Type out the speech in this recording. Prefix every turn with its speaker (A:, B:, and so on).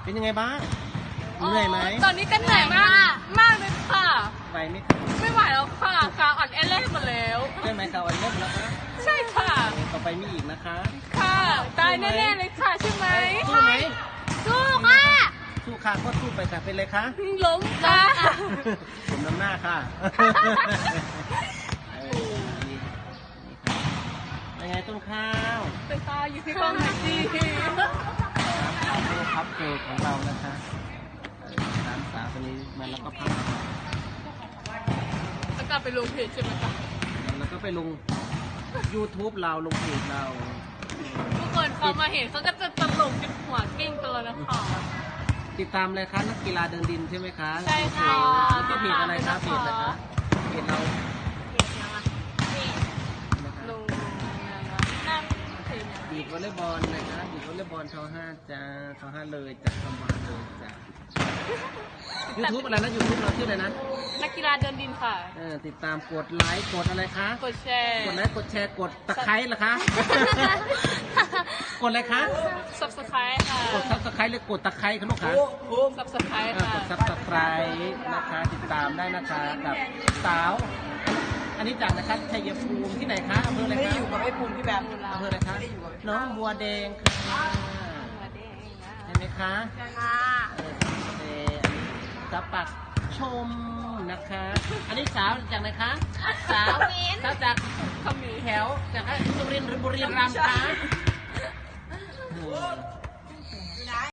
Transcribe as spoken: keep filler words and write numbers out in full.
A: เป็นยังไงบ้างเหนื่อยไหม
B: ตอนนี้ก็เหนื่อยมากมากเลยค่ะ
A: ไหวไหมคะ
B: ไม่ไหวแล้วค่ะขาอ่อนแอเล่หมดแล้ว
A: ใช่ไหมคะวันเริ่มแล้วคะ
B: ใช่ค่ะ
A: ต่อไปมีอีกนะคะ
B: ค่ะตายแน่ๆเลยค่ะใช่ไหม
A: สู้ไหม
B: สู้ค่ะ
A: สู้ค่ะก็สู้ไปค่ะเป็นเลยคะ
B: ล้มค่ะ
A: ผมน้ำหน้าค่ะเออนี่นี่ค่ะเป็นไงต้นข้าว
B: เป็นตาอยู่ที่กล้องหน่อยสิ
A: เอาโลพับเกลของเรานะคะเออสามสาวตัวนี้มาแล้วก็พับ
B: แล้วกลับไปลงเพจใช่ไหมคะ
A: แล้วก็ไปลง YouTube เราลงเพจเรา
B: ทุกคนเขามาเห็นเขาก็จะตลกจนหัวกิ้งตัวนะคะ
A: ติดตามเลยคะนักกีฬาเดินดินใช่ไหมคะ
B: ใช่ค่ะ
A: แล้วก็เพจอะไรคะเพจอะไรคะเพจเรา
B: ลงนั่งเพจ
A: บีดวอลเลย์บอลนะคะบีดวอลเลย์บอลทอห้าจ้าทอห้าเลยจ้ะทำมาเลยจ้ะ YouTube อะไรนะ YouTube เราชื่ออะไรนะ
B: นักกีฬาเดินดินค่ะ
A: เออติดตามกดไลค์กดอะไรคะ
B: กดแชร์
A: กดไลค์กดแชร์กดตะไคร้เหรอคะ กดอะไรคะ
B: ซับสไครต์ค่ะ
A: กดซับสไคร้หรือกดตะไคร้คะลูกค้า
B: ซับสไครต์
A: เออ
B: ค่ะ
A: กดซับสไครต์นะคะติดตามได้นะคะกับสาว อันนี้จากนะคะชัยภูมิที่ไหนคะอำเภออะไร
C: ไม่ได้
A: คะ
C: อยู่กับไอ้ภูมิพี่แบบ
A: อำเภออะไรคะน้องบัวแดงค่ะเห็นไหมคะ
B: ค่ะ
A: เออเออสับปักชมนะคะ อันนี้สาวจากไหนคะสาวสาวจาก
B: ขมิ้น
A: แถวจากสุรินทร์หรือบุรีรัมย์คะเออ